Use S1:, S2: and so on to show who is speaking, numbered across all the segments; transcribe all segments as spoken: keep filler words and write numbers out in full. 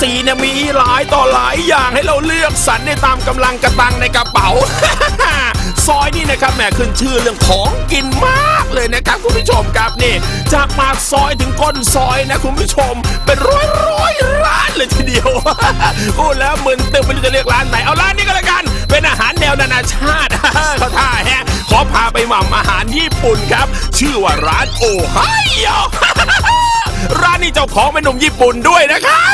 S1: สี่เนี่ยมีหลายต่อหลายอย่างให้เราเลือกสรรได้ตามกำลังกระตังในกระเป๋า ซอยนี่นะครับแหมขึ้นชื่อเรื่องของกินมากเลยนะครับคุณผู้ชมครับนี่จากปากซอยถึงก้นซอยนะคุณผู้ชมเป็นร้อยร้อยร้านเลยทีเดียว พูดแล้วมึนตึงไม่รู้จะเลือกร้านไหนเอาร้านนี้ก็แล้วกันเป็นอาหารแนวนานาชาติ เขาท่าแฮะขอพาไปหม่ำอาหารญี่ปุ่นครับชื่อว่าร้านโอไฮโอ ร้านนี้เจ้าของเป็นหนุ่มญี่ปุ่นด้วยนะครับ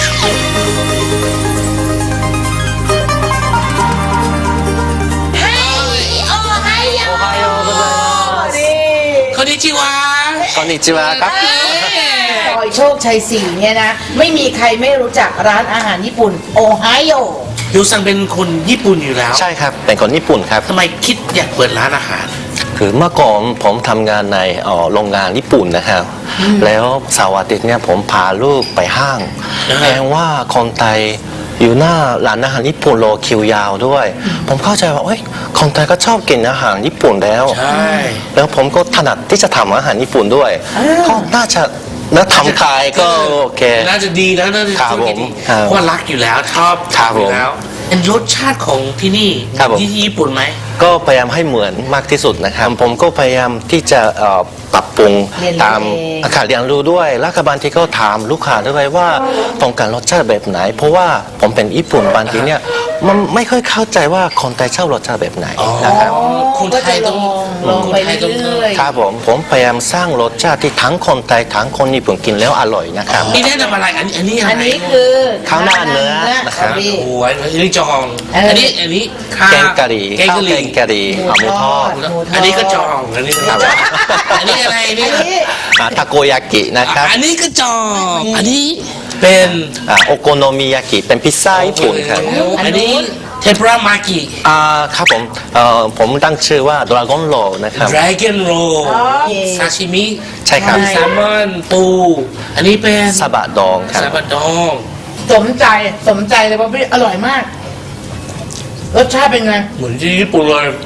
S2: คอนนิชิวะ
S3: คอนนิชิวะครับ
S4: ซอยโชคชัยสี่เนี่ยนะไม่มีใครไม่รู้จักร้านอาหารญี่ปุ่นโอไฮโอ
S2: ยูซังเป็นคนญี่ปุ่นอยู่แล้ว
S3: ใช่ครับเป็นคนญี่ปุ่นครับ
S2: ทำไมคิดอยากเปิดร้านอาหาร
S3: คือเมื่อก่อนผมทำงานในโรงงานญี่ปุ่นนะครับแล้วเสาร์อาทิตย์เนี่ยผมพาลูกไปห้างแปลว่าคนไทยอยู่หน้าร้านอาหารญี่ปุ่นรอคิวยาวด้วยผมเข้าใจว่าเอ้ยคนไทยก็ชอบกินอาหารญี่ปุ่นแล้ว
S2: ใช่
S3: แล้วผมก็ถนัดที่จะทำอาหารญี่ปุ่นด้วยก็น่าจะแล้วทำขายก็โอเค
S2: น่าจะดีแล้วน่าจะ
S3: ครับผม
S2: เพราะรักอยู่แล้วชอบอยู่แล้วเป็นรสชาติของที่นี่ที่ญี่ปุ่นไหม
S3: ก็พยายามให้เหมือนมากที่สุดนะครับผมก็พยายามที่จะปรับปรุงตามอาคารเรียนรู้ด้วยแล้วก็บางทีก็ถามลูกค้าด้วยว่าต้องการรสชาติแบบไหนเพราะว่าผมเป็นญี่ปุ่นบางทีเนี่ยมันไม่ค่อยเข้าใจว่าคนไทยชอบรสชาติแบบไหนนะครับ
S2: คนไทยต้อง
S4: ลองไปเรื่อย
S3: ๆครับผมผมพยายามสร้างรสชาติที่ทั้งคนไทยทั้งคนญี่ปุ่นกินแล้วอร่อยนะครับ
S2: นี่แนะนำอะไรอันนี้อันนี้
S4: อันนี้คือ
S3: ข้าวหน้าเนื้อนะครับ
S2: โอ้ยอันนี้จองอันนี้อันนี้
S3: แกงกะหรี่ข้าวแกงกะหรี่หมูทอด
S2: อันนี้ก็จองอันนี้ก็อันนี้อะไรนี่
S3: ทาโกยากินะครับ
S2: อันนี้ก็จองอันนี้เป็น
S3: โอโกโนมิยากิเป็นพิซซ่าญี่ปุ่นครับ
S2: อันนี้เทมปุระมากิ
S3: อ่าครับผมเอ่อผมตั้งชื่อว่าดราก้อนโรนะครับ
S2: ดราก้อนโรซาชิมิ
S3: ใช่ครับ
S2: แซลมอนปูอันนี้เป็น
S3: ซาบะดองครับ
S2: ซาบะดอง
S4: สมใจสมใจเลยเพราะพี่อร่อยมากรสชาติเป็นไง
S2: เหมือนที่ญี่ปุ่นเลย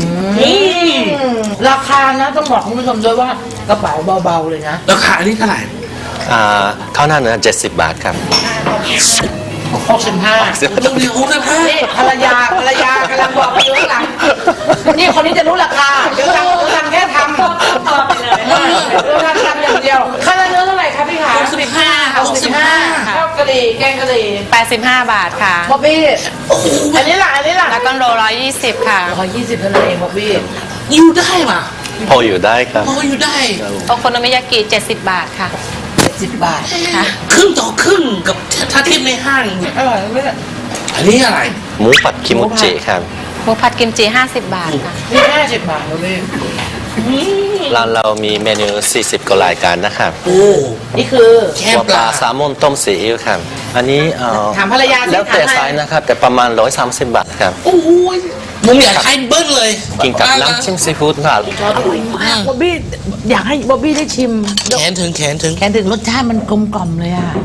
S4: ราคานะต้องบอกคุณผู้ชมด้วยว่ากระเป๋าเบาๆเลยนะ
S2: ราคาอันนี้เท่าไหร่
S3: อ่าข้าวหน้าเนื้อเจ็ดสิบบาทครับ
S4: หกสิบห้า
S2: ลูกเดียวหกสิบห้า
S4: นี่ภรรยาภรรยากำลังบอกอยู่ข้างหลังนี่คนนี้จะรู้ราคาเดี๋ยวทำเดี๋ยวทำแค่ทำต่อไปเลยเดี๋ยวทำทำอย่างเดียวข้าวหน้าเนื้อเท่าไหร่คะพี่ขา
S2: หกสิบห้า
S4: หกสิบห้าข้าวกะหรี่แกงกะหรี่
S5: แปดสิบห้าบาทค่ะ
S4: บ๊อบบี้อันนี้ล่ะอันนี้ล่ะ
S5: แล้วก็โลร้อยยี่สิบค่ะ
S4: ร้อยยี่สิบเท่านั้นเองบ๊อบบี้
S2: อยู่ได้ป่ะ
S3: พออยู่ได้ครับ
S2: พออยู่ได้
S5: โอโคโนมิยากิเจ็ดสิบบาทค่ะ
S4: เจ็ดสิบบาท
S5: ค่ะ
S2: ครึ่งต่อครึ่งกับถ้าเทียบในห้าง
S4: อร่อยไหม
S2: อันนี้อะไร
S3: หมูผัดคิมุจิครับ
S5: หมูผัดกิมจิห้าสิบบาทค่ะ
S4: นี่ห้าสิบบาทบ๊อบบี้
S3: ร้านเรามีเมนูสี่สิบกว่ารายการนะครับ
S2: โอ้
S4: นี่คือ
S3: หัวปลาแซลมอนต้มซีอิ๊วครับอันนี้เอ่อ
S4: ถามภรรยา
S3: แล้วแต่ไซส์นะครับแต่ประมาณร้อยสามสิบบาทครับ
S2: โอ้ยผมอยากให้เบิ้ลเลย
S3: กินกับน้ำจิ้มซีฟู้ดครับ
S4: บ๊อบบี้อยากให้บ๊อบบี้ได้ชิม
S2: แขนถึงแขนถึง
S4: แขนถึงรสชาติมันกลมกล่อมเลยอ่ะ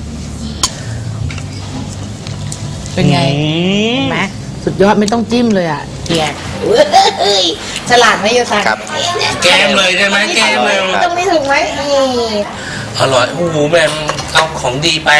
S4: เป็นไงเห็นไหมสุดยอดไม่ต้องจิ้มเลยอ่ะเกียร์ฉลาดไหมโยซัง
S2: แกมเลยใช่ไหมแกมเลย
S4: ตรงนี้ถูกไหม
S2: อร่อยโอ้โหแม่เอาของดีไป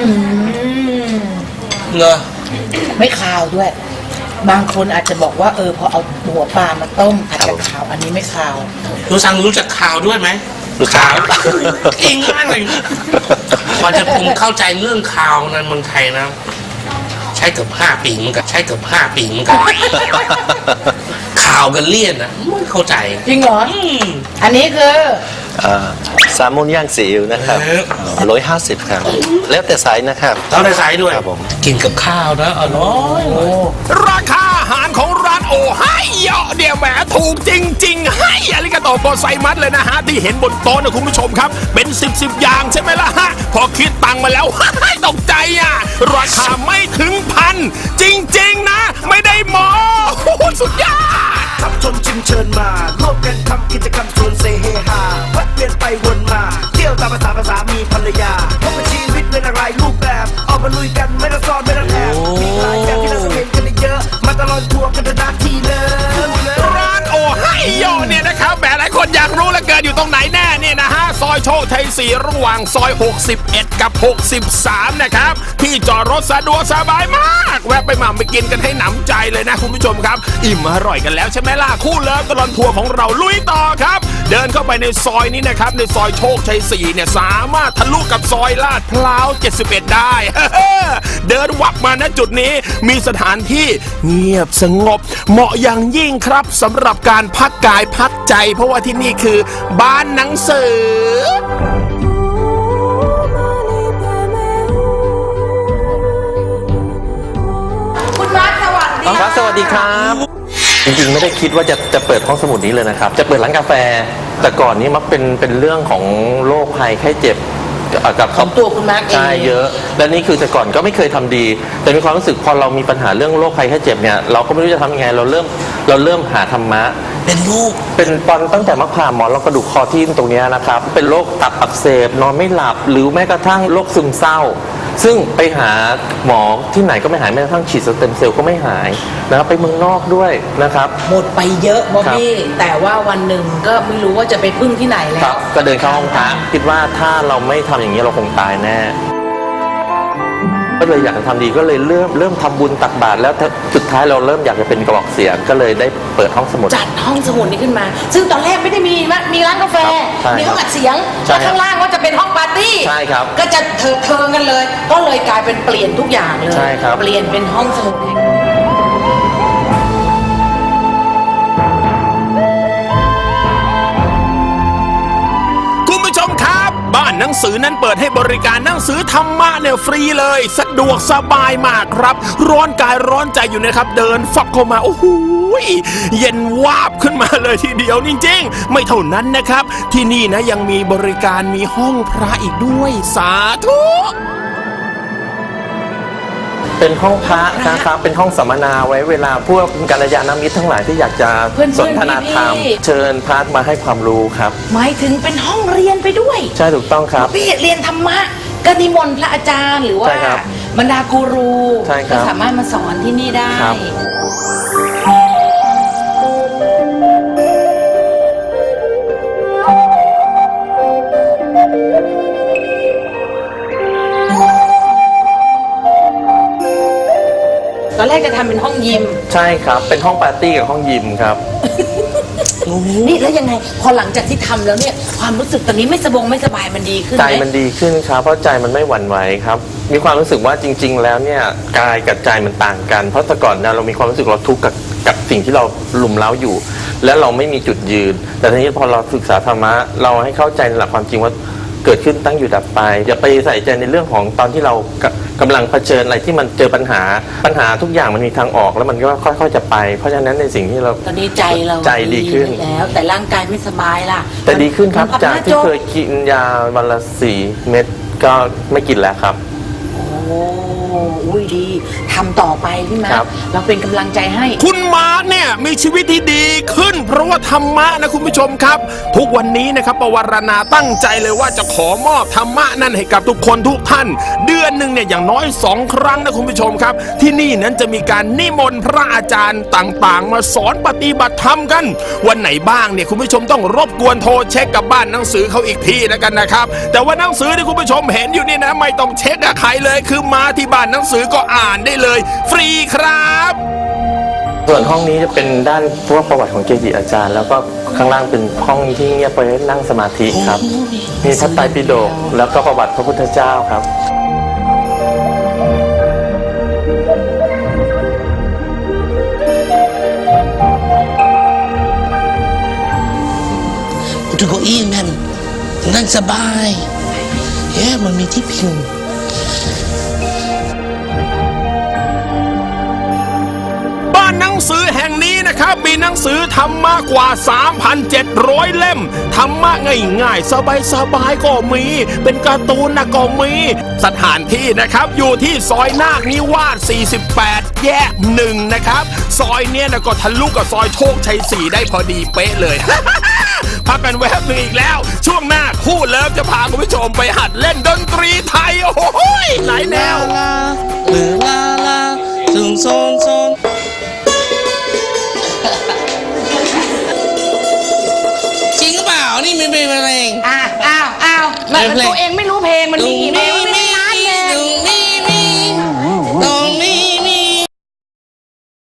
S2: เนอะ
S4: ไม่คาวด้วยบางคนอาจจะบอกว่าเออพอเอาหัวปลามาต้มอาจจะขาวอันนี้ไม่ขาว
S2: รู้ซังรู้จักขาวด้วยไหม
S3: รู้จัก
S2: เก่งมากเลยพอจะผมเข้าใจเรื่องขาวในเมืองไทยนะใช้เกือบห้าปีมันกับใช้เกือบห้าปีมันกับข่าวกันเลี่ยนนะไม่เข้าใจ
S4: จริงเหรออันนี้คือ
S3: แซลมอนย่างซีอิ๊วนะครับร้อยห้าสิบครับแล้วแต่ไซส์นะครับ
S2: แล้วแต่ไซส์ด้วยกินกับข้าวนะอร่อย
S1: ราคาอาหารของร้านโอไฮโอเดี๋ยวแหมถูกจริงๆให้อาริกาโตโกไซมัสเลยนะฮะที่เห็นบนโต๊ะนะคุณผู้ชมครับเป็นสิบสิบอย่างใช่ไหมล่ะฮะพอคิดตังค์มาแล้วตกใจอ่ะราคาไม่ถึงพันจริงๆนะไม่ได้หมอสุดยอด
S6: ขับชมชิมเชิญมาร่วมกันทำกิจกรรมชวนเซเฮฮาแวะเวียนไปวนมาเที่ยวตามภาษาภาษามีภรรยาพบกับชีวิตเป็นอะไรรูปแบบออกมาลุยกันไม่ต้องซ้อนไม่ต้องแอบมีหลายอย่างที่เราเห็นกันเยอะมาตลอดทัวร์กันนาทีเลย
S1: ร้านโอไฮโอเนี่ยนะครับแหมหลายคนอยากรู้เหลือเกินอยู่อยู่ตรงไหนแน่เนี่ยนะฮะซอยโชคชัยสี่ระหว่างซอยหกสิบเอ็ดกับหกสิบสามนะครับที่จอดรถสะดวกสบายมากแวะไปหม่ำไปกินกันให้หนำใจเลยนะคุณผู้ชมครับอิ่มอร่อยกันแล้วใช่ไหมล่ะคู่เลิฟตลอดทัวร์ของเราลุยต่อครับเดินเข้าไปในซอยนี้นะครับในซอยโชคชัยสี่เนี่ยสามารถทะลุกับซอยลาดพร้าวเจ็ดสิบเอ็ดได้เดินวับมาณจุดนี้มีสถานที่เงียบสงบเหมาะอย่างยิ่งครับสำหรับการพักกายพักใจเพราะว่าที่นี่คือบ้านหนังสือ
S4: คุณมาร์คสวัสดี
S3: ครับสวัสดีครับจริงๆไม่ได้คิดว่าจะจะเปิดห้องสมุดนี้เลยนะครับจะเปิดร้านกาแฟแต่ก่อนนี้มักเป็นเป็นเรื่องของโรคภัยไข้เจ็บกับ
S4: ของตัวคุณมาร์คเอง
S3: ใช่เยอะและนี่คือแต่ก่อนก็ไม่เคยทำดีแต่มีความรู้สึกพอเรามีปัญหาเรื่องโรคภัยไข้เจ็บเนี่ยเราก็ไม่รู้จะทำยังไงเราเริ่มเราเริ่มหาธรรมะ
S2: เป็นลูก
S3: เป็นตอนตั้งแต่มะพร้าวหมอนรองกระดูกคอที่ตรงนี้นะครับเป็นโรคตับอักเสบนอนไม่หลับหรือแม้กระทั่งโรคซึมเศร้าซึ่งไปหาหมอที่ไหนก็ไม่หายแม้กระทั่งฉีดสเต็มเซลล์ก็ไม่หายนะครับไปเมืองนอกด้วยนะครับ
S4: หมดไปเยอะบอบบี้แต่ว่าวันหนึ่งก็ไม่รู้ว่าจะไปพึ่งที่ไหนแล้ว
S3: ก็เดินเข้าห้องพระคิดว่าถ้าเราไม่ทำอย่างนี้เราคงตายแน่ก็เลยอยากจะทำดีก็เลยเริ่มเริ่มทำบุญตักบาตรแล้วสุดท้ายเราเริ่มอยากจะเป็นกระบอกเสียงก็เลยได้เปิดห้องสมุด
S4: จัดห้องสมุดนี้ขึ้นมาซึ่งตอนแรกไม่ได้มีมีร้านกาแฟมีห้องอัดเสียงแล้วข้างล่างก็จะเป็นห้องปาร์ตี้
S3: ใช่ครับ
S4: ก็จะเถิดเทิงกันเลยก็เลยกลายเป็นเปลี่ยนทุกอย่างเลย
S3: ใช่ครับ
S4: เปลี่ยนเป็นห้องสมุด
S1: บ้านหนังสือนั้นเปิดให้บริการหนังสือธรรมะเนี่ยฟรีเลยสะดวกสบายมากครับร้อนกายร้อนใจอยู่นะครับเดินฟับเข้ามาโอ้โหเย็นวาบขึ้นมาเลยทีเดียวจริงๆไม่เท่านั้นนะครับที่นี่นะยังมีบริการมีห้องพระอีกด้วยสาธุ
S3: เป็นห้องพระนะครับเป็นห้องสัมมนาไว้เวลาพวกกัลยาณมิตรทั้งหลายที่อยากจะสนทนาธรรมเชิญพระมาให้ความรู้ครับ
S4: หมายถึงเป็นห้องเรียนไปด้วย
S3: ใช่ถูกต้องครับ
S4: พี่เรียนธรรมะก็นิมนต์พระอาจารย์หรือว่าบรรดากูรูก็สามารถมาสอนที่นี่ได้ตอนแรกจะทำเป็นห้องยิม
S3: ใช่ครับเป็นห้องปาร์ตี้กับห้องยิมครับ
S4: นี่แล้วยังไงพอหลังจากที่ทำแล้วเนี่ยความรู้สึกตอนนี้ไม่สบงไม่สบายมันดีขึ้น
S3: ใจมันดีขึ้นครับเพราะใจมันไม่หวั่นไหวครับมีความรู้สึกว่าจริงๆแล้วเนี่ยกายกับใจมันต่างกันเพราะแต่ก่อนเนี่ยเรามีความรู้สึกเราทุกข์กับกับสิ่งที่เราลุมเล้าอยู่ และเราไม่มีจุดยืนแต่ทีนี้พอเราศึกษาธรรมะเราให้เข้าใจในหลักความจริงว่าเกิดขึ้นตั้งอยู่ดับไปอย่าไปใส่ใจในเรื่องของตอนที่เรากำลังเผชิญอะไรที่มันเจอปัญหาปัญหาทุกอย่างมันมีทางออกแล้วมันก็ค่อยๆจะไปเพราะฉะนั้นในสิ่งที่เรา
S4: ตอนนี้ใจเรา
S3: ใจดีขึ้น
S4: แล้วแต่ร่างกายไม่สบายล่ะ
S3: แต่ดีขึ้นครับจากที่เคยกินยาวันละสี่เม็ดก็ไม่กินแล้วครับ
S4: โอ้อุ้ยดีทำต่อไปพี่มาเราเป็นกำลังใจให้
S1: คุณมาร์คเนี่ยมีชีวิตที่ดีขึ้นเพราะว่าธรรมะนะคุณผู้ชมครับทุกวันนี้นะครับปวารณาตั้งใจเลยว่าจะขอมอบธรรมะนั่นให้กับทุกคนทุกท่านเดือนหนึ่งเนี่ยอย่างน้อยสองครั้งนะคุณผู้ชมครับที่นี่นั้นจะมีการนิมนต์พระอาจารย์ต่างๆมาสอนปฏิบัติธรรมกันวันไหนบ้างเนี่ยคุณผู้ชมต้องรบกวนโทรเช็คกับบ้านหนังสือเขาอีกทีแล้วกันนะครับแต่ว่าหนังสือที่คุณผู้ชมเห็นอยู่นี่นะไม่ต้องเช็คกับใครเลยคือมาที่บ้านหนังสือก็อ่านได้เลยฟรีครับ
S3: ส่วนห้องนี้จะเป็นด้านพวกประวัติของเกจิอาจารย์แล้วก็ข้างล่างเป็นห้องที่เงียบไปนั่งสมาธิครับมีพระไตรปิฎกแล้วก็ประวัติพระพุทธเจ้าครับ
S2: ดูเก้าอี้นั่นนั่งสบายเฮ้มันมีที่พิง
S1: หนังสือแห่งนี้นะครับมีหนังสือธรรมะกว่า สามพันเจ็ดร้อย เล่มธรรมะง่ายๆสบายๆก็มีเป็นการ์ตูนนะก็มีสถานที่นะครับอยู่ที่ซอยนาคนิวาสสี่สิบแปดแยกหนึ่งนะครับซอยเนี้ยนะก็ทะลุกับซอยโชคชัยสี่ได้พอดีเป๊ะเลย พักกันแวบหนึ่งอีกแล้วช่วงหน้าคู่เลิฟจะพาคุณผู้ชมไปหัดเล่นดนตรีไทยโอ้โหหลายแนว
S2: จริงหรือเปล่านี่มีเพลงอะไร
S4: อ้าวอ้าวอ้าวมันตัวเองไม่รู้เพลงมันมีอีเมล